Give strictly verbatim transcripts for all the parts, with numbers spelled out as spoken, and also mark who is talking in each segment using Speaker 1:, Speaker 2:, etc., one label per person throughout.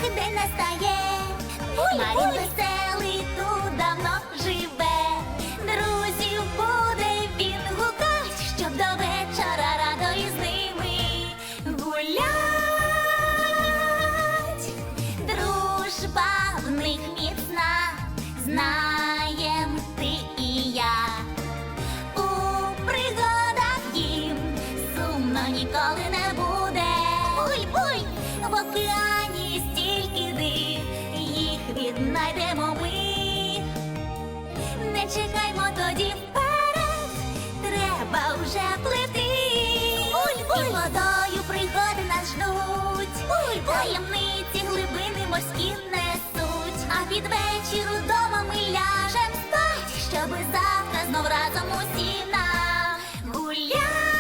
Speaker 1: день настає. Марін веселий тут давно живе. Друзів буде він гукать, щоб до вечора радо із ними гулять. Дружба в них міцна, знаєм ти і я. У пригадах їм сумно ніколи не буде. Буй-буй! В океані стільки див, їх віднайдемо ми. Не чекаймо тоді вперед, треба вже плити. Буль-буль! І водою пригоди нас ждуть. Буль-буль! Таємниці глибини морські несуть. А під вечір удома ми ляжем спать, щоби завтра знов разом усі нагулять.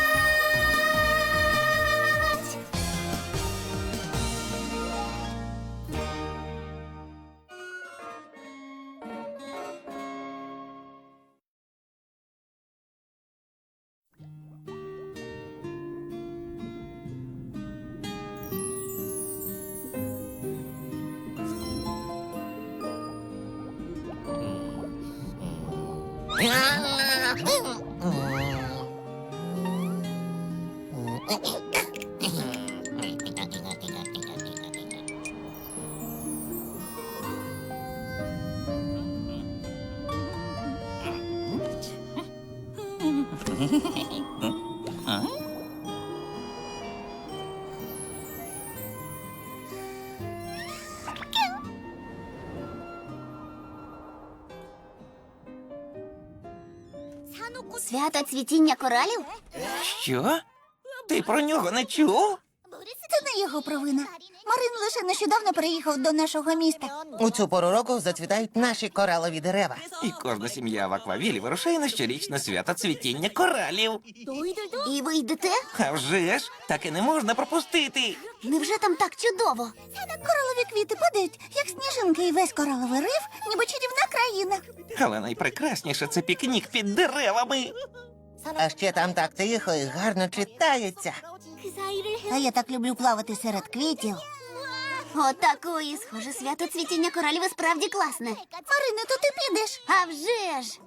Speaker 1: Свято цвітіння коралів?
Speaker 2: Що? Ти про нього не чув?
Speaker 1: Це не його провина. Марин лише нещодавно переїхав до нашого міста.
Speaker 3: У цю пору року зацвітають наші коралові дерева.
Speaker 2: І кожна сім'я в Аквавілі вирушає на щорічне свято цвітіння коралів.
Speaker 1: І ви йдете?
Speaker 2: А вже ж, таки не можна пропустити.
Speaker 1: Невже там так чудово? Коралові квіти падають, як сніжинки, і весь кораловий риф, ніби чарівна країна.
Speaker 2: Але найпрекрасніше – це пікнік під деревами.
Speaker 3: А ще там так тихо і гарно читається.
Speaker 1: А я так люблю плавати серед квітів. Отакої, схоже, свято цвітіння коралів і справді класне. Марине, то ти підеш? А вже ж!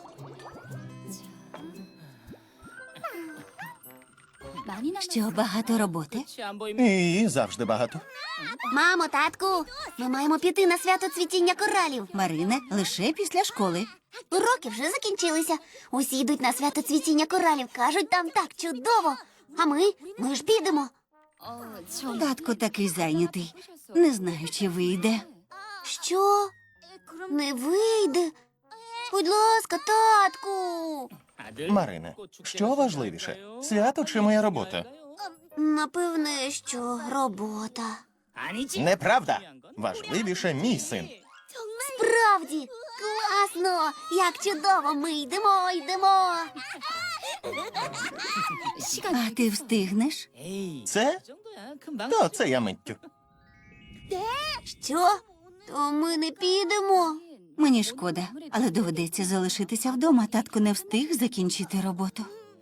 Speaker 4: Що, багато роботи?
Speaker 5: І завжди багато.
Speaker 1: Мамо, татку, ми маємо піти на свято цвітіння коралів.
Speaker 4: Марине, лише після школи.
Speaker 1: Уроки вже закінчилися. Усі йдуть на свято цвітіння коралів. Кажуть, там так чудово. А ми? Ми ж підемо.
Speaker 4: Татко такий зайнятий. Не знаю, чи вийде.
Speaker 1: Що? Не вийде? Будь ласка, татку.
Speaker 5: Марине, що важливіше? Свято чи моя робота?
Speaker 1: Напевне, що робота.
Speaker 5: Неправда. Важливіше мій син.
Speaker 1: Справді, класно! Як чудово! Ми йдемо, йдемо.
Speaker 4: А ти встигнеш?
Speaker 5: Це? То це я миттю.
Speaker 1: Що? То ми не підемо.
Speaker 4: Мені шкода, але доведеться залишитися вдома. Татко не встиг закінчити роботу.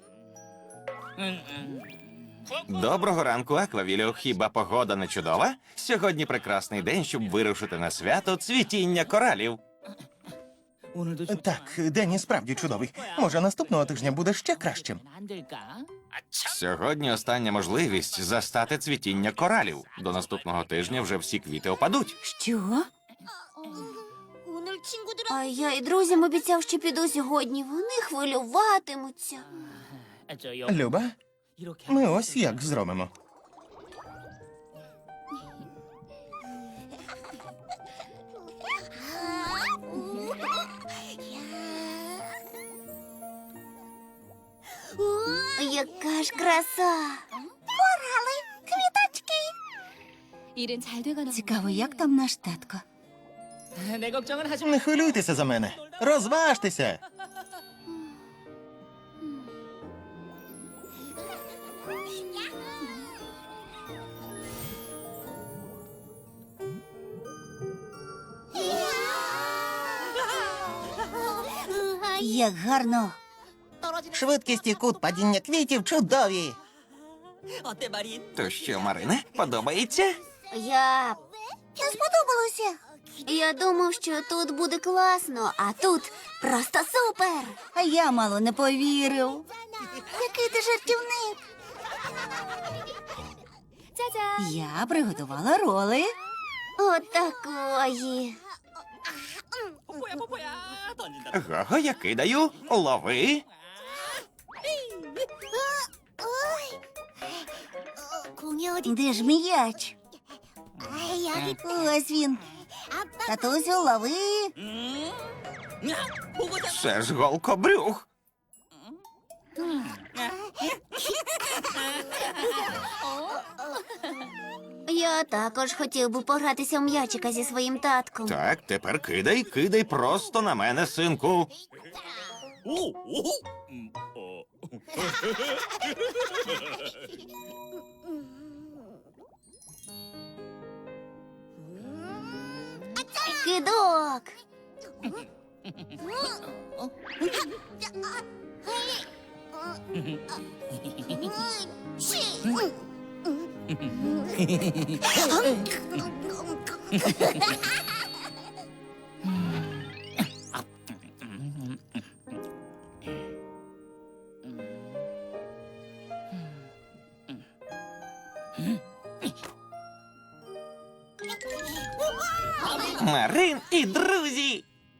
Speaker 2: Доброго ранку, Аквавілю. Хіба погода не чудова? Сьогодні прекрасний день, щоб вирушити на свято цвітіння коралів.
Speaker 5: Так, день і справді чудовий. Може, наступного тижня буде ще кращим.
Speaker 2: Сьогодні остання можливість застати цвітіння коралів. До наступного тижня вже всі квіти опадуть.
Speaker 4: Що?
Speaker 1: А я і друзям обіцяв, що піду сьогодні. Вони хвилюватимуться.
Speaker 5: Люба, ми ось як зробимо.
Speaker 1: Яка ж краса! Корали, квіточки!
Speaker 4: Цікаво, як там наш татко?
Speaker 5: Не хвилюйтеся за мене. Розважтеся.
Speaker 4: Як гарно.
Speaker 3: Швидкість і кут падіння квітів чудові.
Speaker 2: То що, Марине, подобається?
Speaker 1: Я Не сподобалося. Я думав, що тут буде класно, а тут просто супер.
Speaker 4: А я мало не повірив.
Speaker 1: Який ти жартівник.
Speaker 4: Я приготувала роли.
Speaker 1: Отакої.
Speaker 2: Гого, я кидаю. Лови.
Speaker 1: Де ж м'яч? Ось він. Татусю, лови.
Speaker 2: Це ж голкобрюх.
Speaker 1: Я також хотів би погратися в м'ячика зі своїм татком.
Speaker 2: Так, тепер кидай, кидай просто на мене, синку.
Speaker 1: Кидок.
Speaker 2: Марин і друзі.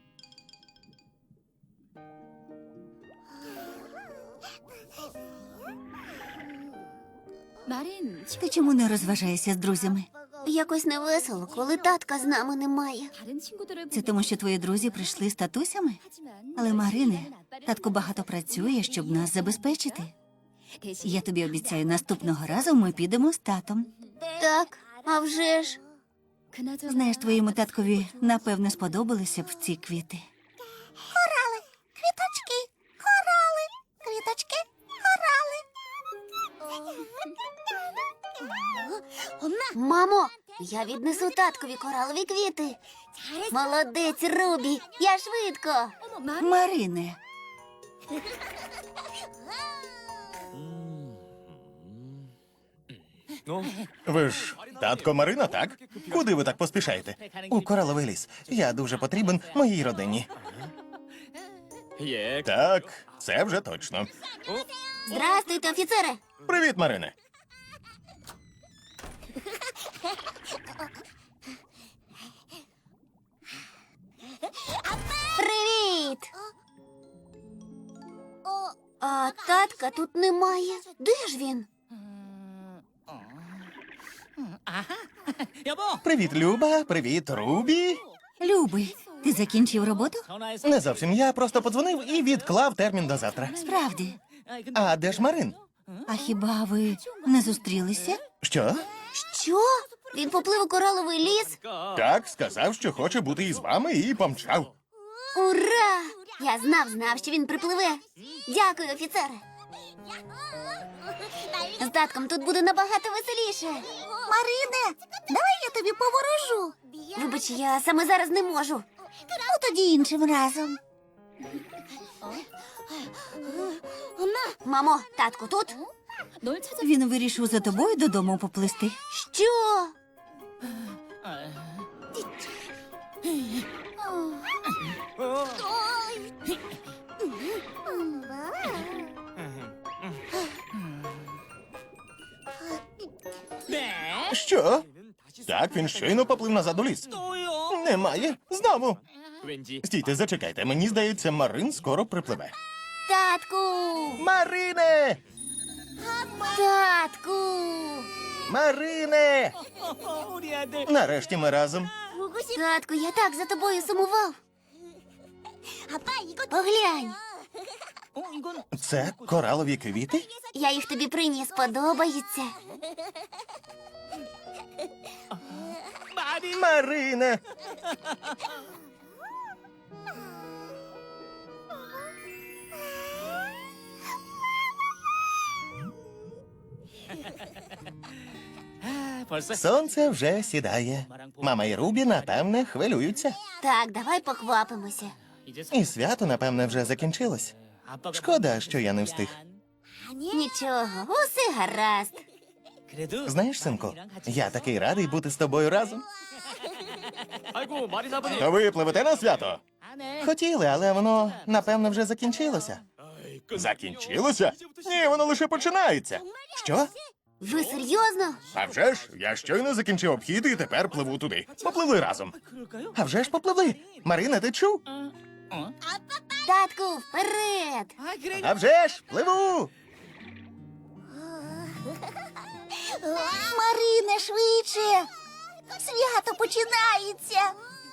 Speaker 4: Ти чому не розважаєшся з друзями?
Speaker 1: Якось невесело, коли татка з нами немає.
Speaker 4: Це тому, що твої друзі прийшли з татусями? Але, Марине, татко багато працює, щоб нас забезпечити. Я тобі обіцяю, наступного разу ми підемо з татом.
Speaker 1: Так, а вже ж.
Speaker 4: Знаєш, твоєму таткові напевне сподобалися б ці квіти.
Speaker 1: Корали, квіточки, корали, квіточки, корали. Мамо, я віднесу таткові коралові квіти. Молодець, Рубі, я швидко.
Speaker 4: Марине,
Speaker 5: Ви ж татко Марина, так? Куди ви так поспішаєте? У кораловий ліс. Я дуже потрібен моїй родині. Так, це вже точно.
Speaker 1: Здрастуйте, офіцере.
Speaker 5: Привіт, Марине.
Speaker 1: Привіт. А татка тут немає. Де ж він?
Speaker 5: Привіт, Люба. Привіт, Рубі.
Speaker 4: любий, ти закінчив роботу?
Speaker 5: Не зовсім. Я просто подзвонив і відклав термін до завтра.
Speaker 4: Справді.
Speaker 5: А де ж Марин?
Speaker 4: А хіба ви не зустрілися?
Speaker 5: Що?
Speaker 1: Що? Він поплив у кораловий ліс?
Speaker 5: Так, сказав, що хоче бути із вами, і помчав.
Speaker 1: Ура! Я знав, знав, що він припливе. Дякую, офіцере. З татком тут буде набагато веселіше. Марине, давай я тобі поворожу. Вибач, я саме зараз не можу. Ну, тоді іншим разом. Мамо, татко тут?
Speaker 4: Він вирішив за тобою додому поплисти.
Speaker 1: Що?
Speaker 5: Що? Так, він щойно поплив назад у ліс. Немає. Знову. Стійте, зачекайте. Мені здається, Марин скоро припливе.
Speaker 1: Татку!
Speaker 5: Марине!
Speaker 1: Татку!
Speaker 5: Марине! Нарешті ми разом.
Speaker 1: Татку, я так за тобою сумував. Поглянь,
Speaker 5: Це коралові квіти?
Speaker 1: я їх тобі приніс, подобаються.
Speaker 5: Марине! Сонце вже сідає. Мама і Рубі, напевне, хвилюються.
Speaker 1: Так, давай поквапимося.
Speaker 5: І свято, напевне, вже закінчилось. Шкода, що я не встиг.
Speaker 1: Нічого, усе гаразд.
Speaker 5: Знаєш, синку, я такий радий бути з тобою разом. То ви пливете на свято? Хотіли, але воно, напевно, вже закінчилося. Закінчилося? Ні, воно лише починається. Що?
Speaker 1: Ви серйозно?
Speaker 5: А вже ж, я щойно закінчив обхід і тепер пливу туди. Попливли разом. А вже ж попливли. Марина, ти чув?
Speaker 1: Татку, вперед!
Speaker 5: А вже ж, пливу.
Speaker 1: Марине, швидше! Свято починається!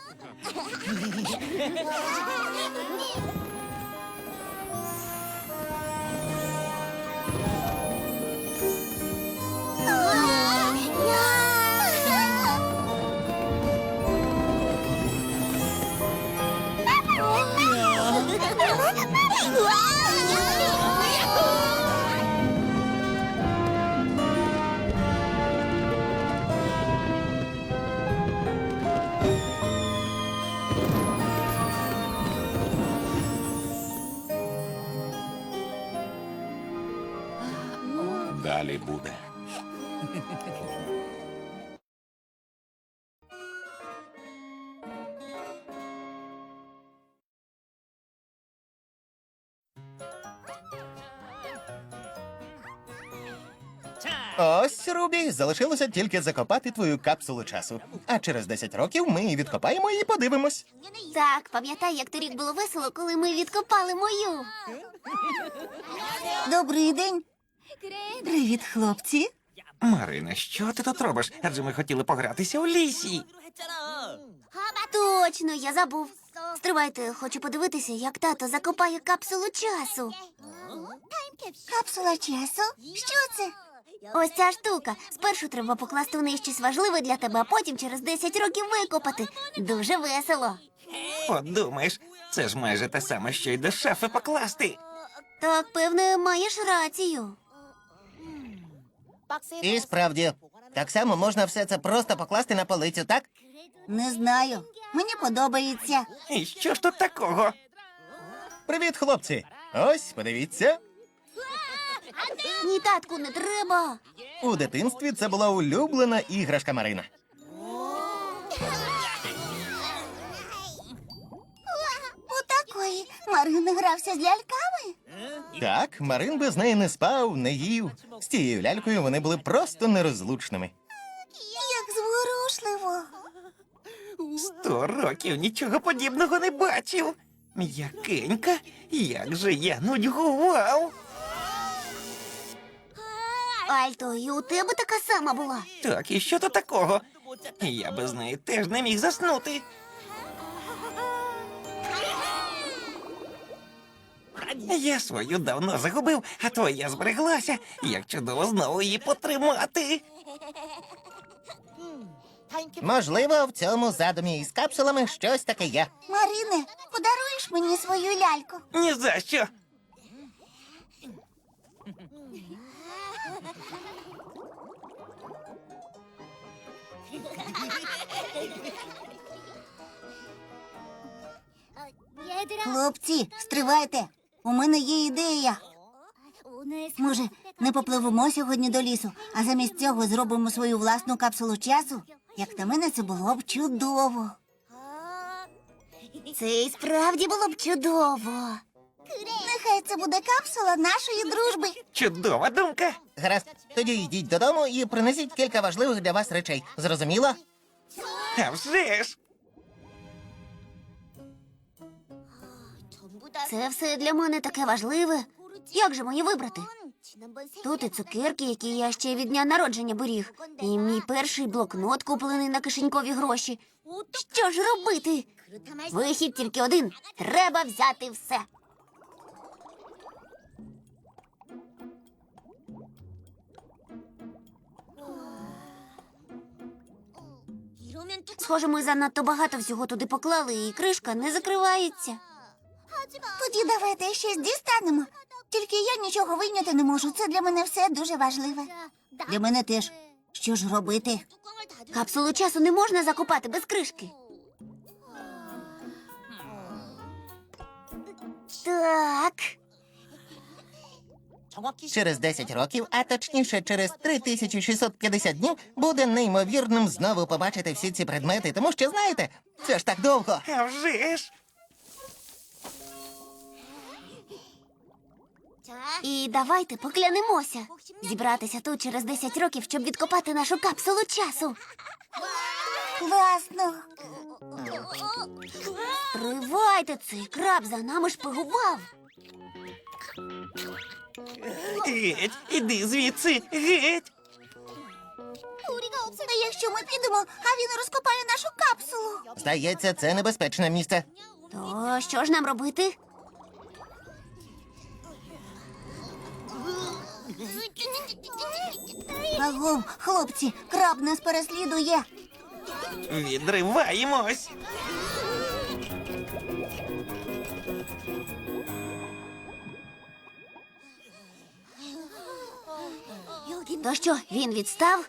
Speaker 2: Далі буде.
Speaker 5: Ось, Рубі, залишилося тільки закопати твою капсулу часу. А через десять років ми її відкопаємо і подивимось.
Speaker 1: Так, пам'ятай, як торік було весело, коли ми відкопали мою.
Speaker 4: Добрий день. Привіт, хлопці.
Speaker 2: Марине, що ти тут робиш? Адже ми хотіли погратися у лісі.
Speaker 1: Точно, я забув. Стривайте, хочу подивитися, як тато закопає капсулу часу. Капсула часу? Що це? Ось ця штука. Спершу треба покласти в неї щось важливе для тебе, а потім через десять років викопати. Дуже весело.
Speaker 2: Подумаєш, це ж майже те саме, що й до шафи покласти.
Speaker 1: Так, певне, маєш рацію.
Speaker 3: І справді, так само можна все це просто покласти на полицю, так?
Speaker 4: Не знаю. Мені подобається.
Speaker 2: І що ж тут такого?
Speaker 5: Привіт, хлопці. Ось, подивіться.
Speaker 1: Ні, татку, не треба.
Speaker 5: У дитинстві це була улюблена іграшка Марина.
Speaker 1: Отакої. Марин грався з ляльками.
Speaker 5: Так, Марин без неї не спав, не їв. З тією лялькою вони були просто нерозлучними.
Speaker 1: Як зворушливо.
Speaker 2: Сто років нічого подібного не бачив. М'якенька, як же я нудьгував.
Speaker 1: Альто, і у тебе така сама була.
Speaker 2: Так, і що тут такого? Я без неї теж не міг заснути. Я свою давно загубив, а твоя збереглася. Як чудово знову її потримати.
Speaker 3: Можливо, в цьому задумі із капсулами щось таке є.
Speaker 1: Марине, подаруєш мені свою ляльку?
Speaker 2: Ні за що.
Speaker 4: Хлопці, стривайте. У мене є ідея. Може, не попливемо сьогодні до лісу, а замість цього зробимо свою власну капсулу часу? Як на мене, це було б чудово.
Speaker 1: Це і справді було б чудово. Нехай це буде капсула нашої дружби.
Speaker 2: Чудова думка.
Speaker 3: Гаразд, тоді йдіть додому і принесіть кілька важливих для вас речей. Зрозуміло?
Speaker 2: А вже ж.
Speaker 1: Це все для мене таке важливе. Як же мені вибрати? Тут і цукерки, які я ще від дня народження беріг, і мій перший блокнот, куплений на кишенькові гроші. Що ж робити? Вихід тільки один. Треба взяти все. Схоже, ми занадто багато всього туди поклали, і кришка не закривається. Тоді давайте щось дістанемо. Тільки я нічого вийняти не можу. Це для мене все дуже важливе.
Speaker 4: Для мене теж. Що ж робити?
Speaker 1: Капсулу часу не можна закопати без кришки. Так.
Speaker 3: Через десять років, а точніше через три тисячі шістсот п'ятдесят днів, буде неймовірним знову побачити всі ці предмети, тому що, знаєте, це ж так довго.
Speaker 2: А вже ж!
Speaker 1: І давайте поклянемося зібратися тут через десять років, щоб відкопати нашу капсулу часу.
Speaker 4: Класно.
Speaker 1: Тривайте, цей краб за нами шпигував.
Speaker 2: Геть, іди звідси, геть!
Speaker 4: А якщо ми підемо, а він розкопає нашу капсулу?
Speaker 3: Здається, це небезпечне місце.
Speaker 1: То що ж нам робити?
Speaker 4: Агов, хлопці, краб нас переслідує.
Speaker 2: Відриваємось!
Speaker 1: То що, він відстав?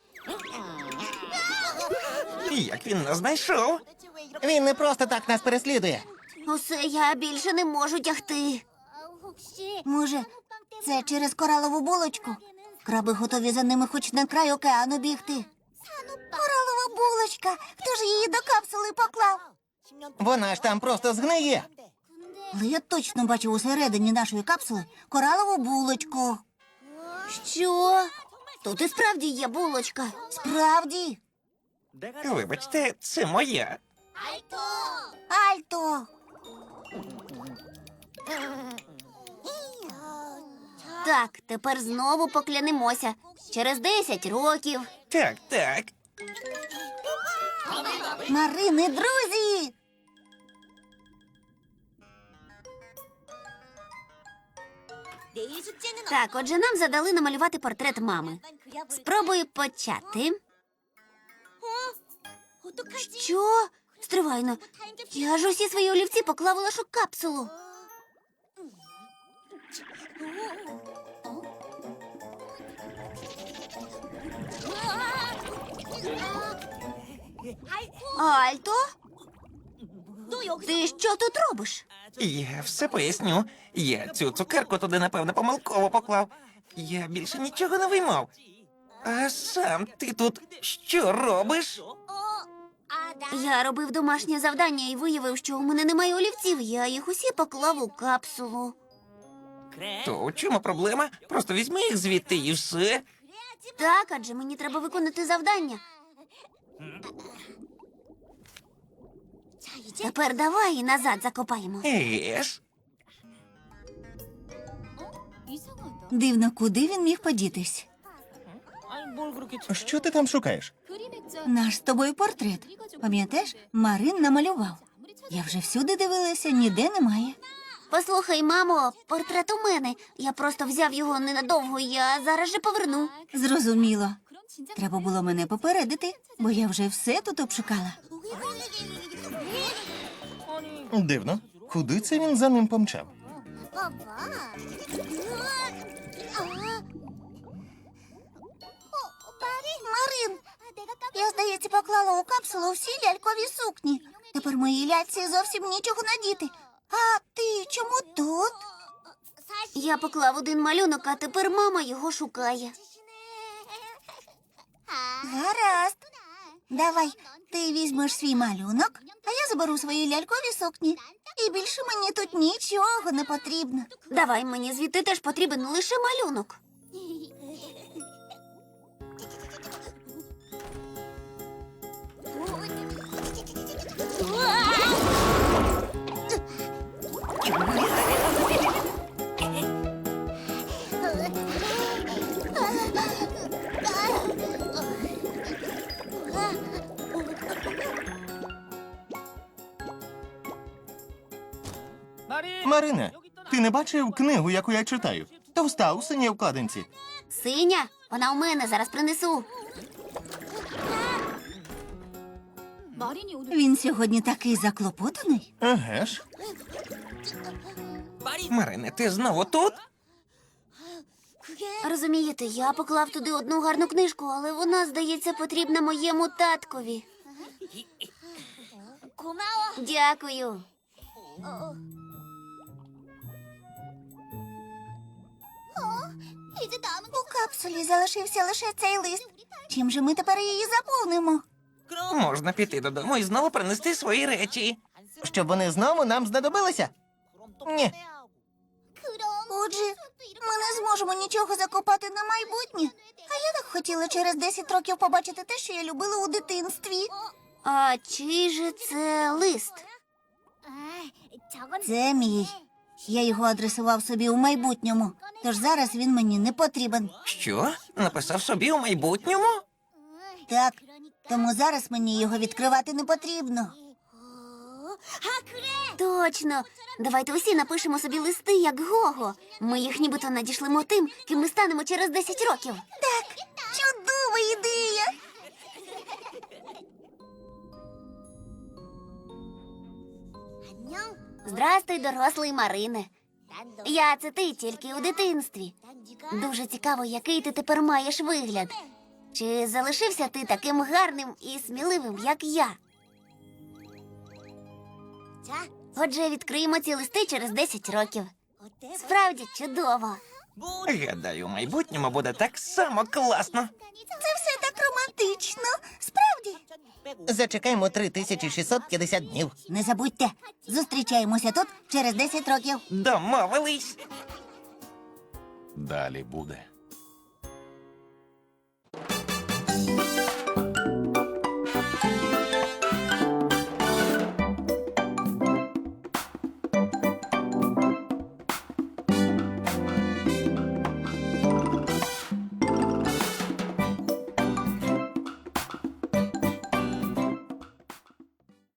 Speaker 2: Як він нас знайшов?
Speaker 3: Він не просто так нас переслідує.
Speaker 1: Усе, я більше не можу тягти.
Speaker 4: Може, це через коралову булочку? Краби готові за ними хоч на край океану бігти. Коралова булочка! Хто ж її до капсули поклав?
Speaker 3: Вона ж там просто згниє.
Speaker 4: Але я точно бачив усередині нашої капсули коралову булочку.
Speaker 1: Що? Тут і справді є булочка.
Speaker 4: Справді?
Speaker 2: Вибачте, це моя.
Speaker 4: Альто!
Speaker 1: Так, тепер знову поклянемося. Через десять років.
Speaker 2: Так, так.
Speaker 4: Марини, друзі!
Speaker 1: Так, отже, нам задали намалювати портрет мами. Спробую почати. Що? Стривайно. Я ж усі свої олівці поклав у нашу капсулу. Альто? Ти що тут робиш?
Speaker 2: Я все поясню. Я цю цукерку туди, напевно, помилково поклав. Я більше нічого не виймав. А сам ти тут що робиш?
Speaker 1: Я робив домашнє завдання і виявив, що у мене немає олівців. Я їх усі поклав у капсулу.
Speaker 2: То у чому проблема? Просто візьми їх звідти і все.
Speaker 1: Так, адже мені треба виконати завдання. Тепер давай і назад закопаємо.
Speaker 2: Еге ж.
Speaker 4: Дивно, куди він міг подітись?
Speaker 5: Що ти там шукаєш?
Speaker 4: Наш з тобою портрет. Пам'ятаєш, Марин намалював. Я вже всюди дивилася, ніде немає.
Speaker 1: Послухай, мамо, портрет у мене. Я просто взяв його ненадовго, я зараз же поверну.
Speaker 4: Зрозуміло. Треба було мене попередити, бо я вже все тут обшукала.
Speaker 5: Дивно. Куди це він за ним помчав?
Speaker 4: Марин, я, здається, поклала у капсулу всі лялькові сукні. Тепер моїй ляльці зовсім нічого надіти. А ти чому тут?
Speaker 1: Я поклав один малюнок, а тепер мама його шукає.
Speaker 4: Гаразд. Давай, ти візьмеш свій малюнок, а я заберу свої лялькові сукні. І більше мені тут нічого не потрібно.
Speaker 1: Давай, мені звідти теж потрібен лише малюнок.
Speaker 5: Марине, ти не бачив книгу, яку я читаю? Товста у синій вкладинці.
Speaker 1: Синя, вона у мене, зараз принесу.
Speaker 4: Він сьогодні такий заклопотаний.
Speaker 5: Еге ж.
Speaker 2: Марине, ти знову тут?
Speaker 1: Розумієте, я поклав туди одну гарну книжку, але вона, здається, потрібна моєму таткові. Дякую.
Speaker 4: У капсулі залишився лише цей лист. Чим же ми тепер її заповнимо?
Speaker 2: Можна піти додому і знову принести свої речі.
Speaker 3: Щоб вони знову нам знадобилися? Ні.
Speaker 4: Отже, ми не зможемо нічого закопати на майбутнє. А я так хотіла через десять років побачити те, що я любила у дитинстві.
Speaker 1: А чий же це лист?
Speaker 4: Це мій. Я його адресував собі у майбутньому, тож зараз він мені не потрібен.
Speaker 2: Що? Написав собі у майбутньому?
Speaker 4: Так, тому зараз мені його відкривати не потрібно.
Speaker 1: Точно. Давайте усі напишемо собі листи, як Гого. Ми їх нібито надішлемо тим, ким ми станемо через десять років.
Speaker 4: Так, чудова ідея.
Speaker 1: Здрастуй, дорослий Марине. Я це ти тільки у дитинстві. Дуже цікаво, який ти тепер маєш вигляд. Чи залишився ти таким гарним і сміливим, як я? Отже, відкриємо ці листи через десять років. Справді чудово.
Speaker 2: Гадаю, у майбутньому буде так само класно.
Speaker 4: Це все так романтично. Справді.
Speaker 3: Зачекаємо три тисячі шістсот п'ятдесят днів.
Speaker 4: Не забудьте, зустрічаємося тут через десять років.
Speaker 2: Домовились.
Speaker 5: Далі буде.